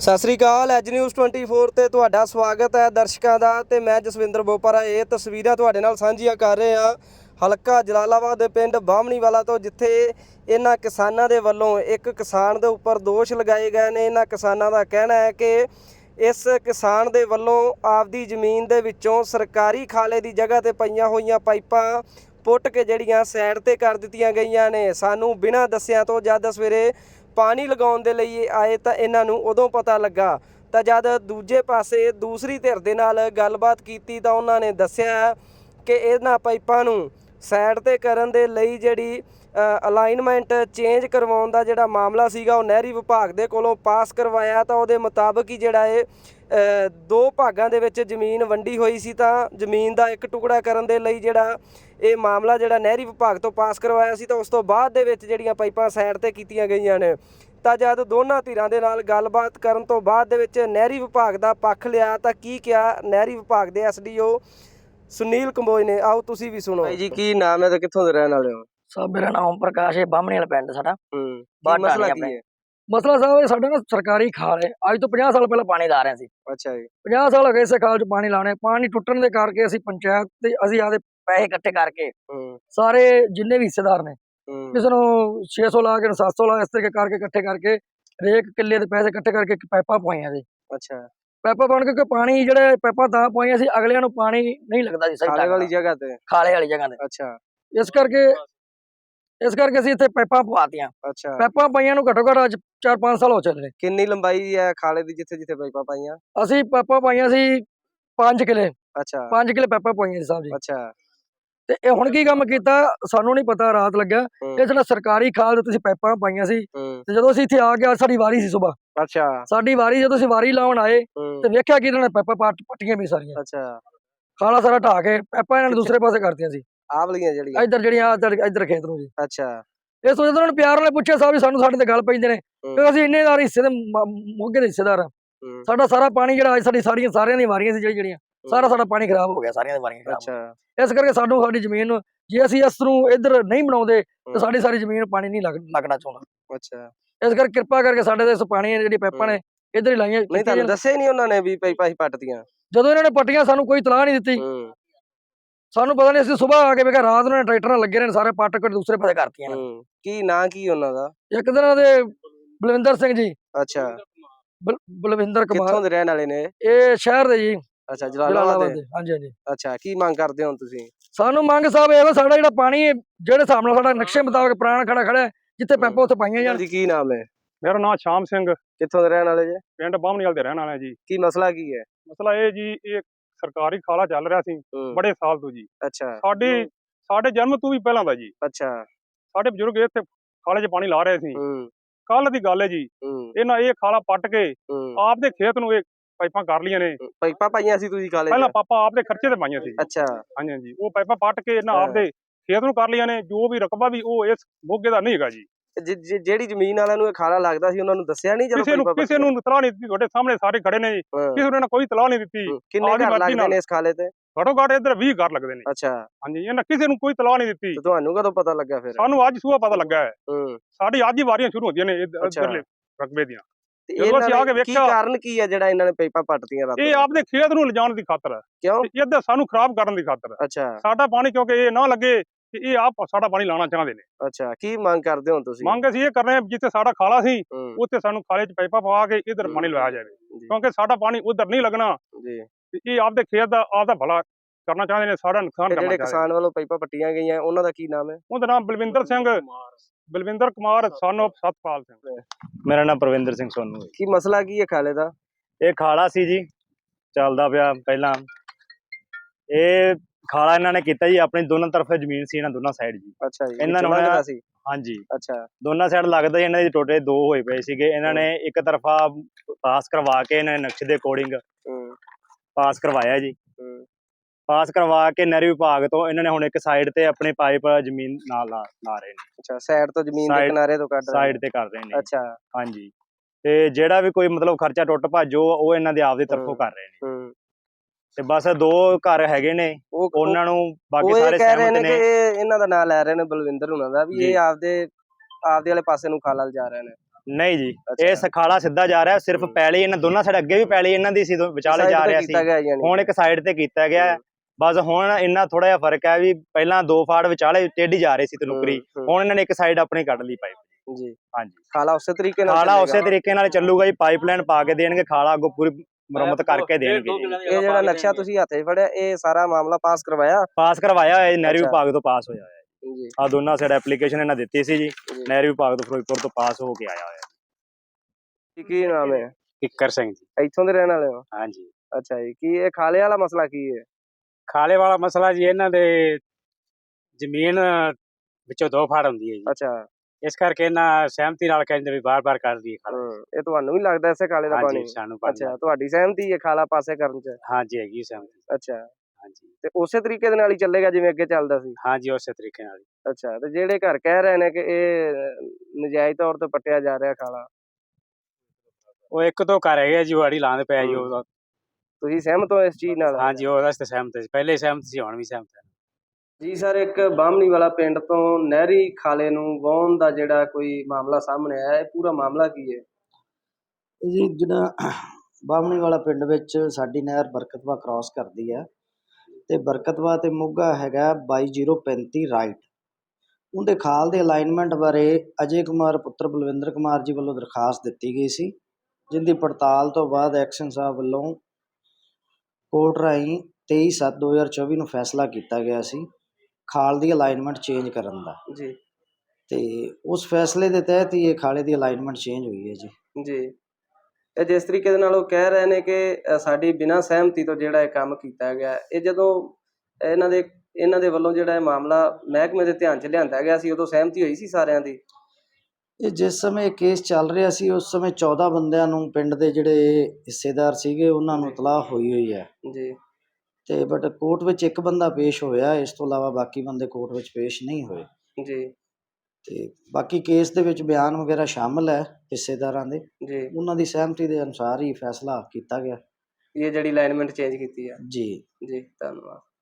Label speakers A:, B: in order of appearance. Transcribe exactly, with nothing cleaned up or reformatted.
A: ਸਤਿ ਸ੍ਰੀ ਅਕਾਲ। As news ਚੌਵੀ ਤੇ ਤੁਹਾਡਾ ਸਵਾਗਤ ਹੈ ਦਰਸ਼ਕਾਂ ਦਾ। ਤੇ ਮੈਂ ਜਸਵਿੰਦਰ ਬੋਪਰਾ ਇਹ ਤਸਵੀਰਾਂ ਤੁਹਾਡੇ ਨਾਲ ਸਾਂਝੀਆਂ ਕਰ ਰਹੇ ਹਾਂ ਹਲਕਾ ਜਲਾਲਾਬਾਦ ਦੇ ਪਿੰਡ ਬਾਹਮਣੀਵਾਲਾ ਤੋਂ, ਜਿੱਥੇ ਇਹਨਾਂ ਕਿਸਾਨਾਂ ਦੇ ਵੱਲੋਂ ਇੱਕ ਕਿਸਾਨ ਦੇ ਉੱਪਰ ਦੋਸ਼ ਲਗਾਏ ਗਏ ਨੇ। ਇਹਨਾਂ ਕਿਸਾਨਾਂ ਦਾ ਕਹਿਣਾ ਹੈ ਕਿ ਇਸ ਕਿਸਾਨ ਦੇ ਵੱਲੋਂ ਆਪਦੀ ਜ਼ਮੀਨ ਦੇ ਵਿੱਚੋਂ ਸਰਕਾਰੀ ਖਾਲੇ ਦੀ ਜਗ੍ਹਾ ਤੇ ਪਈਆਂ ਹੋਈਆਂ ਪਾਈਪਾਂ ਪੁੱਟ ਕੇ ਜਿਹੜੀਆਂ ਸਾਈਡ ਤੇ ਕਰ ਦਿੱਤੀਆਂ ਗਈਆਂ ਨੇ। ਸਾਨੂੰ ਬਿਨਾਂ ਦੱਸਿਆਂ ਤੋਂ ਜਦ ਸਵੇਰੇ ਪਾਣੀ ਲਗਾਉਣ ਦੇ ਲਈ ਆਏ ਤਾਂ ਇਹਨਾਂ ਨੂੰ ਉਦੋਂ ਪਤਾ ਲੱਗਾ। ਤਾਂ ਜਦ ਦੂਜੇ ਪਾਸੇ ਦੂਸਰੀ ਧਿਰ ਦੇ ਨਾਲ ਗੱਲਬਾਤ ਕੀਤੀ ਤਾਂ ਉਹਨਾਂ ਨੇ ਦੱਸਿਆ ਕਿ ਇਹਨਾਂ ਪਾਈਪਾਂ ਨੂੰ ਸਾਈਡ ਤੇ ਕਰਨ ਦੇ ਲਈ ਜਿਹੜੀ ਅਲਾਈਨਮੈਂਟ ਚੇਂਜ ਕਰਵਾਉਣ ਦਾ ਜਿਹੜਾ ਮਾਮਲਾ ਸੀਗਾ ਉਹ ਨਹਿਰੀ ਵਿਭਾਗ ਦੇ ਕੋਲੋਂ ਪਾਸ ਕਰਵਾਇਆ। ਤਾਂ ਉਹਦੇ ਮੁਤਾਬਕ ਹੀ ਜਿਹੜਾ ਇਹ ਦੋ ਭਾਗਾਂ ਦੇ ਵਿੱਚ ਜ਼ਮੀਨ ਵੰਡੀ ਹੋਈ ਸੀ, ਤਾਂ ਜ਼ਮੀਨ ਦਾ ਇੱਕ ਟੁਕੜਾ ਕਰਨ ਦੇ ਲਈ ਜਿਹੜਾ ਇਹ ਮਾਮਲਾ ਜਿਹੜਾ ਨਹਿਰੀ ਵਿਭਾਗ ਤੋਂ ਪਾਸ ਕਰਵਾਇਆ ਸੀ, ਤਾਂ ਉਸ ਤੋਂ ਬਾਅਦ ਦੇ ਵਿੱਚ ਜਿਹੜੀਆਂ ਪਾਈਪਾਂ ਸਾਈਡ ਤੇ ਕੀਤੀਆਂ ਗਈਆਂ ਨੇ। ਤਾਂ ਜਦ ਦੋਨਾਂ ਧਿਰਾਂ ਦੇ ਨਾਲ ਗੱਲਬਾਤ ਕਰਨ ਤੋਂ ਬਾਅਦ ਦੇ ਵਿੱਚ ਨਹਿਰੀ ਵਿਭਾਗ ਦਾ ਪੱਖ ਲਿਆ ਤਾਂ ਕੀ ਕਿਹਾ ਨਹਿਰੀ ਵਿਭਾਗ ਦੇ S D O Sunil Kamboj ਨੇ। ਆਓ ਤੁਸੀਂ ਵੀ ਸੁਣੋ। ਭਾਈ ਜੀ ਕੀ ਨਾਮ ਹੈ ਤੇ ਕਿੱਥੋਂ ਦੇ ਰਹਿਣ ਵਾਲੇ ਹੋ?
B: ਸਭ ਮੇਰਾ ਨਾਮ ਪ੍ਰਕਾਸ਼ ਹੈ, ਬਾਹਮਣੀ ਵਾਲਾ ਪਿੰਡ ਸਾਡਾ।
A: ਹੂੰ, ਮਸਲਾ ਕੀ ਹੈ?
B: ਮਸਲਾ ਸਾਹਿਬ ਇਹ ਸਾਡਾ ਨਾ ਸਰਕਾਰੀ ਖਾਲ ਹੈ। ਅੱਜ ਤੋਂ ਪੰਜਾਹ ਸਾਲ ਪਹਿਲਾਂ ਪਾਣੀ ਲਾ ਰਹੇ ਸੀ।
A: ਅੱਛਾ ਜੀ।
B: ਪੰਜਾਹ ਸਾਲ ਹੋ ਗਏ ਇਸੇ ਖਾਲ 'ਚ ਪਾਣੀ ਲਾਉਣੇ। ਪਾਣੀ ਟੁੱਟਣ ਦੇ ਕਰਕੇ ਅਸੀਂ ਪੰਚਾਇਤ ਤੇ ਅਸੀਂ ਆਪਦੇ ਪੈਸੇ ਇਕੱਠੇ ਕਰਕੇ ਸਾਰੇ ਜਿੰਨੇ ਵੀ ਹਿੱਸੇਦਾਰ ਨੇ, ਕਿਸੇ ਨੂੰ ਛੇ ਸੌ ਲਾ ਕੇ ਸੱਤ ਸੌ ਲਾ, ਇਸ ਤਰੀਕੇ ਕਰਕੇ ਇਕੱਠੇ ਕਰਕੇ ਹਰੇਕ ਕਿੱਲੇ ਦੇ ਪੈਸੇ ਇਕੱਠੇ ਕਰਕੇ ਪੈਪਾਂ ਪਵਾਈਆਂ ਸੀ।
A: ਅੱਛਾ।
B: ਪੈਪਾਂ ਪਾਉਣ ਕਿਉਂਕਿ ਪਾਣੀ ਜਿਹੜੇ ਪੈਪਾਂ ਤਾਂ ਪਵਾਈਆਂ ਸੀ, ਅਗਲਿਆਂ ਨੂੰ ਪਾਣੀ ਨਹੀਂ ਲੱਗਦਾ ਸੀ ਸਹੀ
A: ਖਾਲੇ ਵਾਲੀ ਜਗ੍ਹਾ ਤੇ।
B: ਖਾਲੇ ਵਾਲੀ ਜਗ੍ਹਾ ਤੇ।
A: ਅੱਛਾ।
B: ਇਸ ਕਰਕੇ ਇਸ ਕਰਕੇ ਅਸੀਂ ਇੱਥੇ ਪਾਈਪਾਂ ਪਵਾਤੀਆਂ।
A: ਅੱਛਾ।
B: ਪਾਈਪਾਂ ਪਾਈਆਂ ਨੂੰ ਘੱਟੋ ਘੱਟ ਅੱਜ ਚਾਰ ਪੰਜ ਸਾਲ ਹੋ ਚੱਲੇ।
A: ਕਿੰਨੀ ਲੰਬਾਈ ਹੈ ਖਾਲੇ ਦੀ ਜਿੱਥੇ ਜਿੱਥੇ ਪਾਈਪਾਂ ਪਾਈਆਂ?
B: ਅਸੀਂ ਪਾਈਪਾਂ ਪਾਈਆਂ ਸੀ ਪੰਜ ਕਿੱਲੇ।
A: ਅੱਛਾ।
B: ਪੰਜ ਕਿੱਲੇ ਪਾਈਪਾਂ ਪਾਈਆਂ ਸੀ ਸਾਹਿਬ ਜੀ।
A: ਅੱਛਾ।
B: ਤੇ ਇਹ ਹੁਣ ਕੀ ਕੰਮ ਕੀਤਾ ਸਾਨੂੰ ਨਹੀਂ ਪਤਾ, ਰਾਤ ਲੱਗਿਆ ਇਹ ਜਿਹੜਾ ਸਰਕਾਰੀ ਖਾਲ ਤੁਸੀਂ ਪਾਈਪਾਂ ਪਾਈਆਂ ਸੀ। ਤੇ ਜਦੋਂ ਅਸੀਂ ਇੱਥੇ ਆ ਗਏ, ਸਾਡੀ ਵਾਰੀ ਸੀ ਸੁਬਾਹ।
A: ਅੱਛਾ।
B: ਸਾਡੀ ਵਾਰੀ ਜਦੋਂ ਅਸੀਂ ਵਾਰੀ ਲਾਉਣ ਆਏ ਤੇ ਵੇਖਿਆ ਕਿ ਇਹਨਾਂ ਨੇ ਪਾਈਪਾਂ ਪੱਟੀਆਂ ਵੀ ਸਾਰੀਆਂ।
A: ਅੱਛਾ।
B: ਖਾਲਾ ਸਾਰਾ ਢਾਹ ਕੇ ਪਾਈਪਾਂ ਇਹਨਾਂ ਨੇ ਦੂਸਰੇ ਪਾਸੇ ਕਰਤੀਆਂ ਸੀ।
A: ਆਹ ਵਾਲੀਆਂ ਜਿਹੜੀਆਂ
B: ਇੱਧਰ ਜਿਹੜੀਆਂ ਇੱਧਰ ਖੇਤ ਨੂੰ ਜੀ।
A: ਅੱਛਾ।
B: ਇਸ ਤੋਂ ਜਦੋਂ ਪਿਆਰ ਨਾਲ ਪੁੱਛਿਆ ਸਾਹਿਬ ਸਾਨੂੰ ਸਾਡੇ ਤੇ ਗੱਲ ਪੈਂਦੇ ਨੇ ਕਿਉਂਕਿ ਅਸੀਂ ਇੰਨੇ ਦਾ ਹਿੱਸੇ ਦੇ ਮੋਗੇ ਦੇ ਹਿੱਸੇਦਾਰ ਆ। ਸਾਡਾ ਸਾਰਾ ਪਾਣੀ ਜਿਹੜਾ ਸਾਡੀ ਸਾਰੀਆਂ ਸਾਰਿਆਂ ਦੀਆਂ ਵਾਰੀਆਂ ਸੀ ਜਿਹੜੀ ਜਿਹੜੀਆਂ ਸਾਰਾ ਸਾਡਾ ਪਾਣੀ ਖਰਾਬ ਹੋ ਗਿਆ, ਸਾਰੀਆਂ ਦੀਆਂ ਵਾਰੀਆਂ ਖਰਾਬ। ਅੱਛਾ। ਇਸ ਕਰਕੇ ਸਾਨੂੰ ਸਾਡੀ ਜ਼ਮੀਨ ਨੂੰ ਜੇ ਅਸੀਂ ਇਸ ਨੂੰ ਇੱਧਰ ਨਹੀਂ ਬਣਾਉਂਦੇ ਤਾਂ ਸਾਡੀ ਸਾਰੀ ਜ਼ਮੀਨ ਪਾਣੀ ਨਹੀਂ ਲੱਗਣਾ ਚਾਹੁੰਦਾ।
A: ਅੱਛਾ। ਇਸ
B: ਕਰਕੇ ਕਿਰਪਾ ਕਰਕੇ ਸਾਡੇ ਤੇ ਪਾਣੀ ਜਿਹੜੀ ਪਾਈਪਾਂ ਨੇ ਇੱਧਰ ਹੀ ਲਾਈਆਂ।
A: ਨਹੀਂ ਤੁਹਾਨੂੰ ਦੱਸਿਆ ਨਹੀਂ ਉਹਨਾਂ ਨੇ ਵੀ ਪਾਈਪਾਂ ਹੀ ਪੱਟਦੀਆਂ?
B: ਜਦੋਂ ਇਹਨਾਂ ਨੇ ਪੱਟੀਆਂ ਸਾਨੂੰ ਕੋਈ ਤਲਾਹ ਨਹੀਂ ਦਿੱਤੀ। ਸਾਨੂੰ ਪਤਾ ਨਹੀਂ, ਅਸੀਂ ਸੁਬਾਹ ਆ ਕੇ ਵੇਖਿਆ ਰਾਤ ਨੂੰ ਟਰੈਕਟਰ ਨਾਲ ਲੱਗੇ ਰਹੇ ਸਾਰੇ ਪੱਟ ਕੇ ਦੂਸਰੇ ਪਾਸੇ ਕਰਤੀਆਂ।
A: ਕੀ ਨਾਂ ਕੀ ਉਹਨਾਂ ਦਾ?
B: ਇੱਕ ਦਿਨ ਦੇ ਬਲਵਿੰਦਰ ਸਿੰਘ ਜੀ।
A: ਅੱਛਾ।
B: ਬਲਵਿੰਦਰ ਕੁਮਾਰ।
A: ਕਿੱਥੋਂ ਦੇ ਰਹਿਣ ਵਾਲੇ ਨੇ?
B: ਇਹ ਸ਼ਹਿਰ ਦੇ ਜੀ।
A: ਅੱਛਾ, ਜਲਾਲਾਬਾਦ ਦੇ।
B: ਹਾਂਜੀ ਹਾਂਜੀ।
A: ਅੱਛਾ, ਕੀ ਮੰਗ ਕਰਦੇ ਹੋ ਤੁਸੀਂ?
B: ਸਾਨੂੰ ਮੰਗ ਸਾਹਿਬ ਇਹੋ, ਸਾਡਾ ਜਿਹੜਾ ਪਾਣੀ ਜਿਹੜੇ ਹਿਸਾਬ ਨਾਲ ਸਾਡਾ ਨਕਸ਼ੇ ਮੁਤਾਬਕ ਪੁਰਾਣਾ ਖੜਾ ਖੜਾ ਜਿੱਥੇ ਪੈਪਾਂ ਉੱਥੇ ਪਾਈਆਂ ਜਾਣ।
A: ਜੀ ਕੀ ਨਾਮ ਹੈ?
C: ਮੇਰਾ ਨਾਮ ਸ਼ਾਮ ਸਿੰਘ।
A: ਕਿੱਥੋਂ ਦੇ ਰਹਿਣ ਵਾਲੇ ਜੀ?
C: ਪਿੰਡ ਬਾਹਮਣੀਵਾਲ ਦੇ ਰਹਿਣ ਵਾਲੇ ਜੀ।
A: ਕੀ ਮਸਲਾ ਕੀ ਹੈ?
C: ਮਸਲਾ ਇਹ ਜੀ, ਇਹ ਸਰਕਾਰੀ ਖਾਲਾ ਚੱਲ ਰਿਹਾ ਸੀ ਬੜੇ ਸਾਲ ਤੋਂ ਜੀ।
A: ਅੱਛਾ।
C: ਸਾਡੇ ਸਾਡੇ ਜਨਮ ਤੋਂ ਵੀ ਪਹਿਲਾਂ ਦਾ ਜੀ।
A: ਅੱਛਾ।
C: ਸਾਡੇ ਬਜ਼ੁਰਗ ਇੱਥੇ ਖਾਲੇ 'ਚ ਪਾਣੀ ਲਾ ਰਹੇ ਸੀ। ਕੱਲ ਦੀ ਗੱਲ ਹੈ ਜੀ, ਇਹਨਾਂ ਇਹ ਖਾਲਾ ਪੱਟ ਕੇ ਆਪਦੇ ਖੇਤ ਨੂੰ ਇਹ ਪਾਈਪਾਂ ਕਰ ਲਈਆਂ ਨੇ।
A: ਪਾਈਪਾਂ ਪਾਈਆਂ ਸੀ ਤੁਸੀਂ ਖਾਲੇ 'ਚ?
C: ਪਹਿਲਾਂ ਪਾਪਾ ਆਪਦੇ ਖਰਚੇ ਤੇ ਪਾਈਆਂ ਸੀ।
A: ਅੱਛਾ।
C: ਹਾਂਜੀ ਹਾਂਜੀ। ਉਹ ਪਾਈਪਾਂ ਪੱਟ ਕੇ ਇਹਨਾਂ ਆਪਦੇ ਖੇਤ ਨੂੰ ਕਰ ਲਈਆਂ ਨੇ। ਜੋ ਵੀ ਰਕਬਾ ਵੀ ਉਹ ਇਸ ਮੋਗੇ ਦਾ ਨਹੀਂ ਹੈਗਾ ਜੀ।
A: ਜਿਹੜੀ ਜ਼ਮੀਨ ਵਾਲਿਆਂ ਨੂੰ ਇਹ ਖਾਲਾ ਲੱਗਦਾ ਸੀ ਉਹਨਾਂ ਨੂੰ ਦੱਸਿਆ ਨਹੀਂ?
C: ਕਿਸੇ ਨੂੰ ਕਿਸੇ ਨੂੰ ਤਲਾਹ ਨਹੀਂ ਦਿੱਤੀ। ਤੁਹਾਡੇ ਸਾਹਮਣੇ ਸਾਰੇ ਖੜੇ ਨੇ ਜੀ, ਕਿਸੇ ਨੂੰ ਕੋਈ ਤਲਾਹ ਨਹੀਂ ਦਿੱਤੀ।
A: ਕਿੰਨੇ ਘਰ ਲੱਗਦੇ ਨੇ ਇਸ ਖਾਲੇ ਤੇ?
C: ਘੱਟੋ ਘੱਟ ਇੱਧਰ ਵੀਹ ਘਰ ਲੱਗਦੇ ਨੇ।
A: ਅੱਛਾ।
C: ਹਾਂਜੀ। ਇਹਨਾਂ ਕਿਸੇ ਨੂੰ ਕੋਈ ਤਲਾਹ ਨਹੀਂ ਦਿੱਤੀ।
A: ਤੁਹਾਨੂੰ ਕਦੋਂ ਪਤਾ ਲੱਗਾ ਫਿਰ?
C: ਸਾਨੂੰ ਅੱਜ ਸੁਬਾਹ ਪਤਾ ਲੱਗਾ ਹੈ। ਸਾਡੀ ਅੱਜ ਹੀ ਵਾਰੀਆਂ ਸ਼ੁਰੂ ਹੁੰਦੀਆਂ ਨੇ ਇੱਧਰਲੇ ਰਕਬੇ ਦੀਆਂ।
A: ਕੀ ਕਾਰਨ ਕੀ ਹੈ ਜਿਹੜਾ ਇਹਨਾਂ ਨੇ ਪਾਈਪਾਂ ਪੱਟਦੀਆਂ?
C: ਇਹ ਆਪਦੇ ਖੇਤ ਨੂੰ ਲਿਜਾਣ ਦੀ ਖਾਤਰ।
A: ਕਿਉਂ?
C: ਇੱਧਰ ਸਾਨੂੰ ਖਰਾਬ ਕਰਨ ਦੀ ਖਾਤਰ।
A: ਅੱਛਾ।
C: ਸਾਡਾ ਪਾਣੀ ਕਿਉਂਕਿ ਇਹ ਨਾ ਲੱਗੇ, ਇਹ ਆਪ ਸਾਡਾ ਪਾਣੀ ਲਾਣਾ ਚਾਹੁੰਦੇ ਨੇ।
A: ਅੱਛਾ। ਕੀ ਮੰਗ ਕਰਦੇ ਹੋ ਤੁਸੀਂ?
C: ਮੰਗ ਅਸੀਂ ਇਹ ਕਰ ਰਹੇ ਹਾਂ, ਜਿੱਥੇ ਸਾਡਾ ਖਾਲਾ ਸੀ ਉੱਥੇ ਸਾਨੂੰ ਖਾਲੇ 'ਚ ਪਾਈਪਾਂ ਪਵਾ ਕੇ ਇੱਧਰ ਪਾਣੀ ਲਵਾਇਆ ਜਾਵੇ, ਕਿਉਂਕਿ ਸਾਡਾ ਪਾਣੀ ਉੱਧਰ ਨਹੀਂ ਲੱਗਣਾ ਜੀ। ਇਹ ਆਪਦੇ ਖੇਤ ਦਾ ਆਪਦਾ ਭਲਾ ਕਰਨਾ ਚਾਹੁੰਦੇ ਨੇ, ਸਾਡਾ ਨੁਕਸਾਨ ਕਰਨਾ।
A: ਜਿਹੜੇ ਕਿਸਾਨ ਵੱਲੋਂ ਪਾਈਪਾਂ ਪੱਟੀਆਂ ਗਈਆਂ ਉਹਨਾਂ ਦਾ ਕੀ ਨਾਮ ਹੈ?
C: ਉਹਦਾ ਨਾਮ ਬਲਵਿੰਦਰ ਸਿੰਘ ਬਲਵਿੰਦਰ ਕੁਮਾਰ son of ਸਤਪਾਲ ਸਿੰਘ।
D: ਮੇਰਾ ਨਾਮ ਪ੍ਰਵਿੰਦਰ ਸਿੰਘ ਸੋਨੂ ਹੈ।
A: ਕੀ ਮਸਲਾ ਕੀ ਹੈ ਖਾਲੇ ਦਾ?
D: ਇਹ ਖਾਲਾ ਸੀ ਜੀ, ਚੱਲਦਾ ਪਿਆ ਪਹਿਲਾਂ। ਇਹ ਖਾਲਾ ਇਹਨਾਂ ਨੇ ਕੀਤਾ ਜੀ, ਆਪਣੀ ਦੋਨਾਂ ਤਰਫੇ ਜ਼ਮੀਨ ਸੀ ਇਹਨਾਂ ਦੋਨਾਂ ਸਾਈਡ ਜੀ।
A: ਅੱਛਾ ਜੀ।
D: ਇਹਨਾਂ ਨੂੰ
A: ਸੀ?
D: ਹਾਂਜੀ।
A: ਅੱਛਾ।
D: ਦੋਨਾਂ ਸਾਈਡ ਲੱਗਦਾ ਜੀ। ਇਹਨਾਂ ਦੇ ਟੋਟੇ ਦੋ ਹੋਏ ਪਏ ਸੀਗੇ। ਇਹਨਾਂ ਨੇ ਇੱਕ ਤਰਫਾ ਪਾਸ ਕਰਵਾ ਕੇ ਇਹਨਾਂ ਨੇ ਨਕਸ਼ੇ ਦੇ ਅਕੋਰਡਿੰਗ ਪਾਸ ਕਰਵਾਇਆ ਜੀ। ਪਾਸ ਕਰਵਾ ਕੇ ਨਹਿਰੀ ਵਿਭਾਗ ਤੋਂ ਇਹਨਾਂ ਨੇ ਹੁਣ ਇੱਕ ਸਾਈਡ ਤੇ ਆਪਣੇ ਪਾਈਪ ਜ਼ਮੀਨ ਨਾਲ ਲਾ ਰਹੇ ਨੇ।
A: ਅੱਛਾ। ਸਾਈਡ ਤੋਂ ਜ਼ਮੀਨ ਦੇ ਕਿਨਾਰੇ ਤੋਂ ਕੱਢ
D: ਸਾਈਡ ਤੇ ਕਰ ਰਹੇ ਨੇ।
A: ਅੱਛਾ।
D: ਹਾਂਜੀ। ਤੇ ਜਿਹੜਾ ਵੀ ਕੋਈ ਮਤਲਬ ਖਰਚਾ ਟੁੱਟ ਭੱਜੋ ਉਹ ਇਹਨਾਂ ਦੇ ਆਪਦੀ ਤਰਫੋਂ ਕਰ ਰਹੇ ਨੇ। ਤੇ ਬਸ ਦੋ ਘਰ ਹੈਗੇ ਨੇ ਉਹਨਾਂ ਨੂੰ, ਬਾਕੀ ਸਾਰੇ ਸਹਿਮਤ ਨੇ।
A: ਇਹਨਾਂ ਦਾ ਨਾਮ ਲੈ ਰਹੇ ਨੇ ਬਲਵਿੰਦਰ ਹੁਣਾਂ ਦਾ, ਵੀ ਇਹ ਆਪਦੇ ਆਪਦੇ ਵਾਲੇ ਪਾਸੇ ਨੂੰ ਖਾਲਾ ਲਿਜਾ ਰਹੇ ਨੇ।
D: ਨਹੀਂ ਜੀ,
A: ਅੱਛਾ।
D: ਇਹ ਸਖਾਲਾ ਸਿੱਧਾ ਜਾ ਰਿਹਾ, ਸਿਰਫ
A: ਹੂੰ।
D: ਪੈਲੀ ਇਹਨਾਂ ਦੋਨਾਂ ਸਾਈਡ ਅੱਗੇ ਵੀ ਪੈਲੀ ਇਹਨਾਂ ਦੀ ਸੀ, ਦੋ- ਵਿਚਾਲੇ
A: Side
D: ਜਾ
A: ਤੇ
D: ਰਿਹਾ ਸੀ।
A: ਕੀਤਾ ਗਿਆ ਯਾਨੀ
D: ਹੁਣ ਇੱਕ ਸਾਈਡ ਤੇ ਕੀਤਾ ਗਿਆ ਹੈ।
A: ਹੂੰ।
D: ਬਸ ਹੁਣ ਇੰਨਾ ਥੋੜਾ ਜਿਹਾ ਫਰਕ ਹੈ ਵੀ ਪਹਿਲਾਂ ਦੋ ਫਾੜ ਵਿਚਾਲੇ ਟੇਢੀ ਜਾ ਰਹੀ ਸੀ ਤਨੁਕਰੀ,
A: ਹੂੰ, ਹੂੰ।
D: ਹੁਣ ਇਹਨਾਂ ਨੇ ਇੱਕ ਸਾਈਡ ਆਪਣੀ ਕੱਢ ਲਈ ਪਾਈਪ।
A: ਜੀ
D: ਹਾਂਜੀ,
A: ਖਾਲਾ ਉਸੇ ਤਰੀਕੇ ਨਾਲ
D: ਖਾਲਾ
A: ਚੱਲੇਗਾ।
D: ਉਸੇ ਤਰੀਕੇ ਨਾਲ ਚੱਲੂਗਾ ਜੀ, ਪਾਈਪਲਾਈਨ ਪਾ ਕੇ ਦੇਣਗੇ, ਖਾਲਾ ਅੱਗੋਂ ਪੂਰੀ ਮੁਰੰਮਤ ਕਰਕੇ ਦੇਣਗੇ ਜੀ।
A: ਇਹ ਜਿਹੜਾ ਨਕਸ਼ਾ ਤੁਸੀਂ ਹੱਥੇ ਫੜਿਆ, ਇਹ ਸਾਰਾ ਮਾਮਲਾ ਪਾਸ ਕਰਵਾਇਆ?
D: ਪਾਸ ਕਰਵਾਇਆ ਹੋਇਆ ਜੀ, ਨਹਿਰੀ
A: ਅੱਛਾ।
D: ਵਿਭਾਗ ਤੋਂ ਪਾਸ ਹੋਇਆ ਹੋਇਆ
A: ਜੀ
D: ਆ, ਦੋਨਾਂ ਸਾਈਡ ਐਪਲੀਕੇਸ਼ਨ ਇਹਨਾਂ ਦਿੱਤੀ ਸੀ ਜੀ,
A: ਜੀ।
D: ਨਹਿਰੀ ਵਿਭਾਗ ਤੋਂ ਫਿਰੋਜ਼ਪੁਰ ਤੋਂ ਪਾਸ ਹੋ ਕੇ ਆਇਆ ਹੋਇਆ।
A: ਕੀ ਕੀ ਨਾਮ ਹੈ?
E: ਕਿੱਕਰ ਸਿੰਘ ਜੀ।
A: ਇੱਥੋਂ ਦੇ ਰਹਿਣ ਵਾਲੇ ਹੋ?
E: ਹਾਂਜੀ,
A: ਅੱਛਾ ਜੀ। ਕੀ ਇਹ ਖਾਲੇ ਵਾਲਾ ਮਸਲਾ ਕੀ ਹੈ?
E: ਖਾਲੇ ਵਾਲਾ ਮਸਲਾ ਜੀ, ਇਹਨਾਂ ਦੇ ਜ਼ਮੀਨ ਵਿੱਚੋਂ ਦੋ ਫਾੜ ਹੁੰਦੀ ਹੈ ਜੀ,
A: ਅੱਛਾ।
E: ਇਸ ਕਰਕੇ ਇਹਨਾਂ ਸਹਿਮਤੀ ਨਾਲ ਕਹਿੰਦੇ ਵੀ ਬਾਰ-ਬਾਰ ਕਰ ਦਈਏ ਖਾਲਾ।
A: ਹੂੰ, ਇਹ ਤੁਹਾਨੂੰ ਵੀ ਲੱਗਦਾ ਇਸੇ ਖਾਲੇ ਦਾ ਪਾਣੀ?
E: ਹਾਂਜੀ, ਸਾਨੂੰ ਪਾਣੀ
A: ਅੱਛਾ, ਤੁਹਾਡੀ ਸਹਿਮਤੀ ਹੈ ਖਾਲਾ ਪਾਸੇ ਕਰਨ ਚ?
E: ਹਾਂਜੀ ਹੈਗੀ ਸਹਿਮਤੀ।
A: ਅੱਛਾ,
E: ਹਾਂਜੀ
A: ਤੇ ਉਸੇ ਤਰੀਕੇ ਦੇ ਨਾਲ ਹੀ ਚੱਲੇਗਾ ਜਿਵੇਂ ਅੱਗੇ ਚੱਲਦਾ ਸੀ?
E: ਹਾਂਜੀ, ਉਸੇ ਤਰੀਕੇ ਨਾਲ ਹੀ।
A: ਅੱਛਾ, ਤੇ ਜਿਹੜੇ ਘਰ ਕਹਿ ਰਹੇ ਨੇ ਕਿ ਇਹ ਨਜਾਇਜ਼ ਤੌਰ ਤੇ ਪੱਟਿਆ ਜਾ ਰਿਹਾ ਖਾਲਾ,
E: ਉਹ ਇੱਕ ਦੋ ਘਰ ਹੈਗੇ ਆ ਜੀ, ਉਹ ਅੜੀ ਲਾਉਂਦੇ ਪਿਆ ਜੀ, ਉਹ
A: ਤੁਸੀਂ ਸਹਿਮਤ ਹੋ ਇਸ ਚੀਜ਼ ਨਾਲ?
E: ਹਾਂਜੀ, ਉਹਦਾ ਤੇ ਸਹਿਮਤ ਸੀ, ਪਹਿਲੇ ਹੀ ਸਹਿਮਤ ਸੀ, ਹੁਣ ਵੀ ਸਹਿਮਤ ਹੈ।
A: ਜੀ ਸਰ, ਇੱਕ ਬਾਹਮਣੀ ਵਾਲਾ ਪਿੰਡ ਤੋਂ ਨਹਿਰੀ ਖਾਲੇ ਨੂੰ ਵਾਹੁਣ ਦਾ ਜਿਹੜਾ ਕੋਈ ਮਾਮਲਾ ਸਾਹਮਣੇ ਆਇਆ, ਇਹ ਪੂਰਾ ਮਾਮਲਾ ਕੀ ਹੈ?
F: ਜੀ ਜਿਹੜਾ ਬਾਹਮਣੀ ਵਾਲਾ ਪਿੰਡ ਵਿੱਚ ਸਾਡੀ ਨਹਿਰ ਬਰਕਤਵਾ ਕ੍ਰਾਸ ਕਰਦੀ ਹੈ, ਤੇ ਬਰਕਤਵਾ ਤੇ ਮੋਗਾ ਹੈਗਾ ਬਾਈ ਜ਼ੀਰੋ ਪੈਂਤੀ ਰਾਈਟ। ਉਹਦੇ ਖਾਲ ਦੇ ਅਲਾਈਨਮੈਂਟ ਬਾਰੇ ਅਜੇ ਕੁਮਾਰ ਪੁੱਤਰ ਬਲਵਿੰਦਰ ਕੁਮਾਰ ਜੀ ਵੱਲੋਂ ਦਰਖਾਸਤ ਦਿੱਤੀ ਗਈ ਸੀ, ਜਿੰਦੀ ਪੜਤਾਲ ਤੋਂ ਬਾਅਦ ਐਕਸ਼ਨ ਸਾਹਿਬ ਵੱਲੋਂ ਕੋਰਟ ਰਾਹੀਂ ਤੇਈ ਸੱਤ ਦੋ ਹਜ਼ਾਰ ਚੌਵੀ ਨੂੰ ਫੈਸਲਾ ਕੀਤਾ ਗਿਆ ਸੀ ਖਾਲ ਦੀ ਅਲਾਈਨਮੈਂਟ ਚੇਂਜ ਕਰਨ ਦਾ
A: ਜੀ
F: ਤੇ ਉਸ ਫੈਸਲੇ ਦੇ ਤਹਿਤ ਹੀ ਇਹ ਖਾਲੇ ਦੀ ਅਲਾਈਨਮੈਂਟ ਚੇਂਜ ਹੋਈ ਹੈ ਜੀ।
A: ਜੀ ਇਹ ਜਿਸ ਤਰੀਕੇ ਦੇ ਨਾਲ ਉਹ ਕਹਿ ਰਹੇ ਨੇ ਕਿ ਅ, ਸਾਡੀ ਬਿਨਾਂ ਸਹਿਮਤੀ ਤੋਂ ਜਿਹੜਾ ਇਹ ਕੰਮ ਕੀਤਾ ਗਿਆ, ਇਹ ਜਦੋਂ ਇਹਨਾਂ ਦੇ ਇਹਨਾਂ ਦੇ ਵੱਲੋਂ ਜਿਹੜਾ ਇਹ ਮਾਮਲਾ ਮਹਿਕਮੇ ਦੇ ਧਿਆਨ 'ਚ ਲਿਆਂਦਾ ਗਿਆ ਸੀ, ਉਦੋਂ ਸਹਿਮਤੀ ਹੋਈ ਸੀ ਸਾਰਿਆਂ ਦੀ?
F: ਇਹ ਜਿਸ ਸਮੇਂ ਕੇਸ ਚੱਲ ਰਿਹਾ ਸੀ ਉਸ ਸਮੇਂ ਚੌਦਾਂ ਬੰਦਿਆਂ ਨੂੰ, ਪਿੰਡ ਦੇ ਜਿਹੜੇ ਹਿੱਸੇਦਾਰ ਸੀਗੇ ਉਹਨਾਂ ਨੂੰ ਇਤਲਾਹ ਹੋਈ ਹੋਈ ਹੈ
A: ਜੀ
F: ਤੇ ਬਟ ਕੋਰਟ ਵਿੱਚ ਇੱਕ ਬੰਦਾ ਪੇਸ਼ ਹੋਇਆ, ਇਸ ਤੋਂ ਇਲਾਵਾ ਬਾਕੀ ਬੰਦੇ ਕੋਰਟ ਵਿੱਚ ਪੇਸ਼ ਨਹੀਂ ਹੋਏ।
A: ਜੀ
F: ਤੇ ਬਾਕੀ ਕੇਸ ਦੇ ਵਿੱਚ ਬਿਆਨ ਵਗੈਰਾ ਸ਼ਾਮਲ ਹੈ ਹਿੱਸੇਦਾਰਾਂ ਦੇ,
A: ਜੀ
F: ਉਹਨਾਂ ਦੀ ਸਹਿਮਤੀ ਦੇ ਅਨੁਸਾਰ ਹੀ ਫੈਸਲਾ ਕੀਤਾ ਗਿਆ
A: ਇਹ ਜਿਹੜੀ ਅਲਾਈਨਮੈਂਟ ਚੇਂਜ ਕੀਤੀ ਆ।
F: ਜੀ।
A: ਜੀ ਧੰਨਵਾਦ।